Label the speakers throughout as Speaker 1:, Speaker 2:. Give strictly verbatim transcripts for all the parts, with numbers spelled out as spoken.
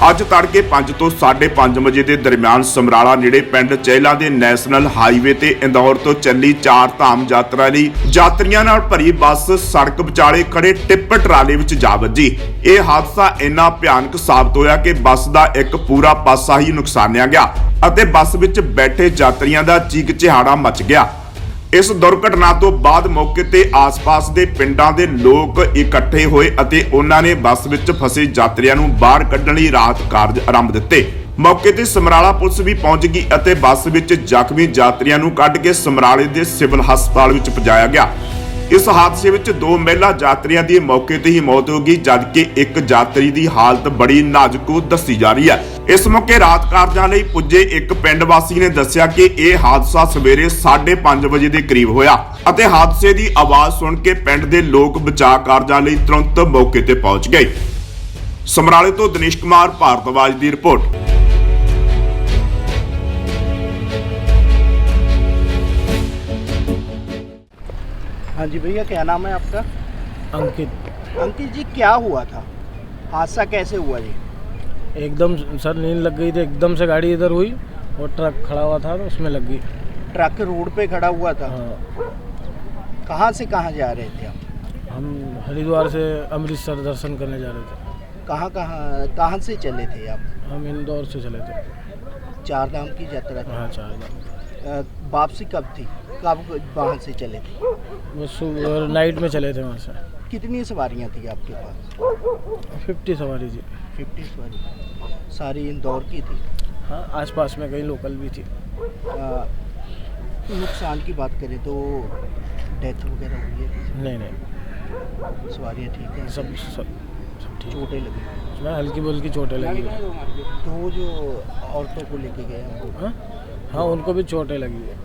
Speaker 1: ਅੱਜ तड़के पांच तो साढ़े पांच बजे के दरमियान समराला नेड़े पिंड चहला के नैशनल हाईवे ते इंदौर तो चली चार धाम यात्रा लई यात्रियों नाल भरी बस सड़क विचाले खड़े टिप्पर ट्राले विच जा वजी। यह हादसा इन्ना भयानक साबित होया कि बस का एक पूरा पासा ही नुकसानिया गया अते बस विच बैठे यात्रियों का चीक चिहाड़ा मच गया। इस दुर्घटना तो बाद मौके ते आस-पास दे पिंडां दे लोग इकट्ठे होए अते उन्हां ने बस विच फसे यात्रियों नूं बाहर कढण लई राहत कार्ज आरंभ दित्ते। मौके ते समराला पुलिस भी पहुंच गई अते बस विच जख्मी यात्रियों नूं कढ के समराले दे सिविल हस्पताल विच पहुंचाया गया। इस हादसे विच दो महिला यात्रियों की मौके ते ही मौत हो गई जबकि एक यात्री की हालत बड़ी नाजुक दसी जा रही है। इस मौके राहत कार्यां लई पुजे एक पिंड वासी ने दस्सिया कि यह हादसा सवेरे साढ़े पांच बजे के करीब होया अते हादसे की आवाज सुन के पिंड के लोग बचाव कार्यां लई तुरंत मौके ते पहुंच गए। समराले तो दिनेश कुमार भारद्वाज की रिपोर्ट।
Speaker 2: हाँ जी भैया, क्या नाम है आपका?
Speaker 3: अंकित।
Speaker 2: अंकित जी, क्या हुआ था? हादसा कैसे हुआ जी?
Speaker 3: एकदम सर नींद लग गई थी, एकदम से गाड़ी इधर हुई और ट्रक खड़ा हुआ था तो उसमें लग गई।
Speaker 2: ट्रक रोड पे खड़ा हुआ था?
Speaker 3: हाँ।
Speaker 2: कहाँ से कहाँ जा रहे थे आप?
Speaker 3: हम हरिद्वार से अमृतसर दर्शन करने जा रहे थे।
Speaker 2: कहाँ कहाँ कहाँ से चले थे आप?
Speaker 3: हम इंदौर से चले थे।
Speaker 2: चार धाम की यात्रा थी?
Speaker 3: हाँ, चार धाम।
Speaker 2: वापसी कब थी? कब वहाँ से चले थे?
Speaker 3: वो सुबह नाइट में चले थे वहाँ से।
Speaker 2: कितनी सवारियाँ थी आपके पास?
Speaker 3: फिफ्टी सवारी थी।
Speaker 2: फिफ्टी सवारी सारी इंदौर की थी?
Speaker 3: हाँ, आसपास में कई लोकल भी थी।
Speaker 2: आ, नुकसान की बात करें तो डेथ वगैरह हुई है?
Speaker 3: नहीं नहीं,
Speaker 2: सवारियाँ ठीक है?
Speaker 3: सब सब सब ठीक।
Speaker 2: चोटें लगी?
Speaker 3: उसमें हल्की बुल्की चोटें लगी।
Speaker 2: दो जो औरतों को लेके गए हैं?
Speaker 3: हाँ हाँ, उनको भी चोटें लगी है।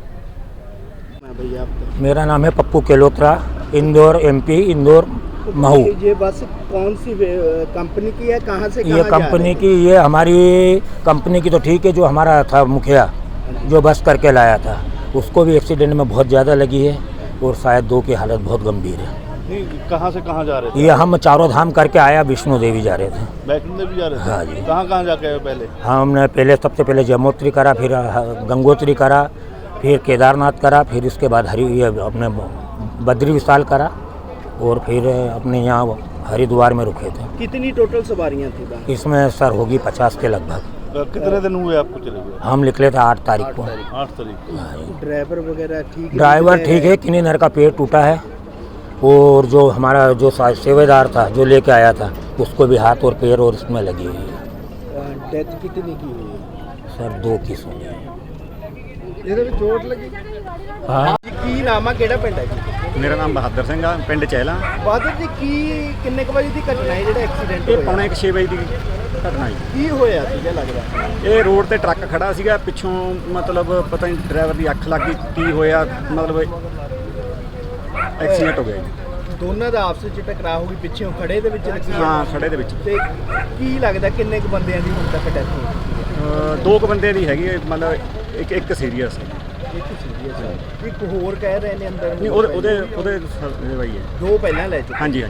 Speaker 2: भैया आपका?
Speaker 4: मेरा नाम है पप्पू केलोत्रा, इंदौर एमपी, इंदौर महू।
Speaker 2: ये बस कौन सी कंपनी की है? कहाँ से कहाँ
Speaker 4: ये कंपनी की, ये हमारी कंपनी की तो ठीक है, जो हमारा था मुखिया जो बस करके लाया था उसको भी एक्सीडेंट में बहुत ज़्यादा लगी है और शायद दो की हालत बहुत गंभीर है।
Speaker 5: कहाँ से कहाँ जा रहे थे?
Speaker 4: ये हम चारों धाम करके आया, विष्णु देवी जा रहे थे।
Speaker 5: वैष्णो देवी जा रहे थे?
Speaker 4: हाँ जी।
Speaker 5: कहाँ कहाँ जाके आए पहले?
Speaker 4: हमने पहले सबसे पहले यमुनोत्री करा, फिर गंगोत्री करा, फिर केदारनाथ करा, फिर इसके बाद हरि ये अपने बद्री विशाल करा और फिर अपने यहाँ हरिद्वार में रुके थे।
Speaker 2: कितनी टोटल सवारियाँ थी वहाँ?
Speaker 4: इसमें सर होगी पचास के लगभग।
Speaker 5: कितने दिन हुए आपको चले हुए?
Speaker 4: हम निकले थे आठ तारीख को।
Speaker 5: आठ तारीख।
Speaker 2: ड्राइवर वगैरह ठीक है?
Speaker 4: ड्राइवर ठीक है, किन्हीं नर का पेट टूटा है और जो हमारा जो सेवेदार था जो लेके आया था उसको भी हाथ और पैर और इसमें लगी हुई है।
Speaker 2: डेथ कितनी की हुई है?
Speaker 4: सर दो की सुनी है।
Speaker 2: ਇਹਦੇ ਵਿੱਚ ਚੋਟ ਲੱਗੀ?
Speaker 4: हाँ
Speaker 2: ਕੀ ਨਾਮ ਆ, ਕਿਹੜਾ ਪਿੰਡ ਹੈ ਜੀ?
Speaker 6: ਮੇਰਾ ਨਾਮ ਬਹਾਦਰ ਸਿੰਘ ਆ, ਪਿੰਡ ਚਹਿਲਾ।
Speaker 2: ਬਾਦਰ ਜੀ, ਕੀ ਕਿੰਨੇ ਕੁ ਵਜੇ ਦੀ ਘਟਨਾ ਹੈ ਜਿਹੜਾ ਐਕਸੀਡੈਂਟ
Speaker 6: ਇਹ
Speaker 2: ਹੋਇਆ?
Speaker 6: ਪੌਣੇ ਛੇ ਵਜੇ ਦੀ ਘਟਨਾ ਜੀ।
Speaker 2: ਕੀ ਹੋਇਆ ਸੀਗਾ ਲੱਗਦਾ?
Speaker 6: ਇਹ ਰੋਡ ਤੇ ਟਰੱਕ ਖੜਾ ਸੀਗਾ, ਪਿੱਛੋਂ ਮਤਲਬ ਪਤਾ ਨਹੀਂ ਡਰਾਈਵਰ ਦੀ ਅੱਖ ਲੱਗ ਗਈ ਕੀ ਹੋਇਆ, ਮਤਲਬ ਐਕਸੀਡੈਂਟ ਹੋ ਗਿਆ ਜੀ।
Speaker 2: ਦੋਨਾਂ ਦਾ ਆਪਸ ਵਿੱਚ ਟਕਰਾਅ ਹੋ ਗਈ, ਪਿੱਛੋਂ ਖੜੇ ਦੇ ਵਿੱਚ ਲੱਗੀ?
Speaker 6: ਹਾਂ, ਖੜੇ ਦੇ ਵਿੱਚ।
Speaker 2: ਤੇ ਕੀ ਲੱਗਦਾ ਕਿੰਨੇ ਕੁ ਬੰਦਿਆਂ ਦੀ ਹੁਣ ਤੱਕ ਡੈਥ ਹੋ ਚੁੱਕੀ ਹੈ?
Speaker 6: ਅਹ ਦੋ ਕੁ ਬੰਦੇ ਦੀ ਹੈਗੀ ਹੈ, ਮਤਲਬ ਇੱਕ ਇੱਕ ਸੀਰੀਅਸ ਹੈ।
Speaker 2: ਇੱਕ ਸੀਰੀਅਸ ਹੈ, ਇੱਕ ਹੋਰ ਕਹਿ ਰਹੇ ਨੇ ਅੰਦਰ
Speaker 6: ਨਹੀਂ, ਉਹਦੇ ਉਹਦੇ ਉਹਦੇ ਬਾਈ ਹੈ।
Speaker 2: ਦੋ ਪਹਿਲਾਂ ਲੈ ਚੁੱਕੇ?
Speaker 6: ਹਾਂਜੀ ਹਾਂਜੀ।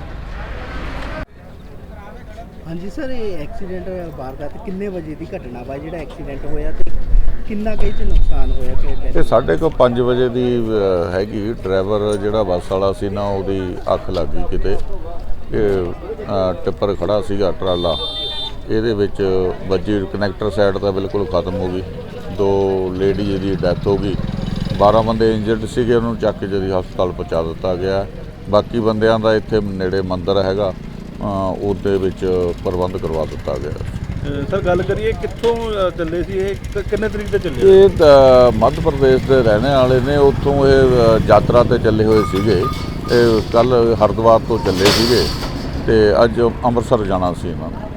Speaker 2: ਹਾਂਜੀ ਸਰ, ਇਹ ਐਕਸੀਡੈਂਟ ਵਾਰਦਾਤ ਕਿੰਨੇ ਵਜੇ ਦੀ ਘਟਨਾ ਵਾ ਜਿਹੜਾ ਐਕਸੀਡੈਂਟ ਹੋਇਆ ਤੇ ਕਿੰਨਾ ਕੁ ਇਹ 'ਚ ਨੁਕਸਾਨ ਹੋਇਆ? ਕਿ
Speaker 7: ਇਹ ਸਾਢੇ ਕੁ ਪੰਜ ਵਜੇ ਦੀ ਅ, ਹੈਗੀ। ਡਰਾਈਵਰ ਜਿਹੜਾ ਬੱਸ ਵਾਲਾ ਸੀ ਨਾ, ਉਹਦੀ ਅੱਖ ਲੱਗ ਗਈ ਕਿਤੇ। ਇਹ ਅ, ਟਿੱਪਰ ਖੜਾ ਸੀਗਾ ਟਰਾਲਾ, ਇਹਦੇ ਵਿੱਚ ਵੱਜੀ, ਕਨੈਕਟਰ ਸਾਈਡ ਤਾਂ ਬਿਲਕੁਲ ਖਤਮ ਹੋ ਗਈ। ਦੋ ਲੇਡੀਜ਼ ਦੀ ਡੈਥ ਹੋ ਗਈ, ਬਾਰਾਂ ਬੰਦੇ ਇੰਜਰਡ ਸੀਗੇ, ਉਹਨੂੰ ਚੱਕ ਕੇ ਜਦੀ ਹਸਪਤਾਲ ਪਹੁੰਚਾ ਦਿੱਤਾ ਗਿਆ। ਬਾਕੀ ਬੰਦਿਆਂ ਦਾ ਇੱਥੇ ਨੇੜੇ ਮੰਦਿਰ ਹੈਗਾ, ਉਹਦੇ ਵਿੱਚ ਪ੍ਰਬੰਧ ਕਰਵਾ ਦਿੱਤਾ ਗਿਆ।
Speaker 5: ਸਰ ਗੱਲ ਕਰੀਏ ਕਿੱਥੋਂ ਚੱਲੇ ਸੀ ਇਹ, ਕਿੰਨੇ ਤਰੀਕ ਤੇ ਚੱਲੇ?
Speaker 7: ਇਹ ਤਾਂ ਮੱਧ ਪ੍ਰਦੇਸ਼ ਦੇ ਰਹਿਣੇ ਵਾਲੇ ਨੇ, ਉੱਥੋਂ ਇਹ ਯਾਤਰਾ ਤੇ ਚੱਲੇ ਹੋਏ ਸੀਗੇ। ਇਹ ਕੱਲ ਹਰਿਦੁਆਰ ਤੋਂ ਚੱਲੇ ਸੀਗੇ ਤੇ ਅੱਜ ਅੰਮ੍ਰਿਤਸਰ ਜਾਣਾ ਸੀ ਇਹਨਾਂ ਨੇ।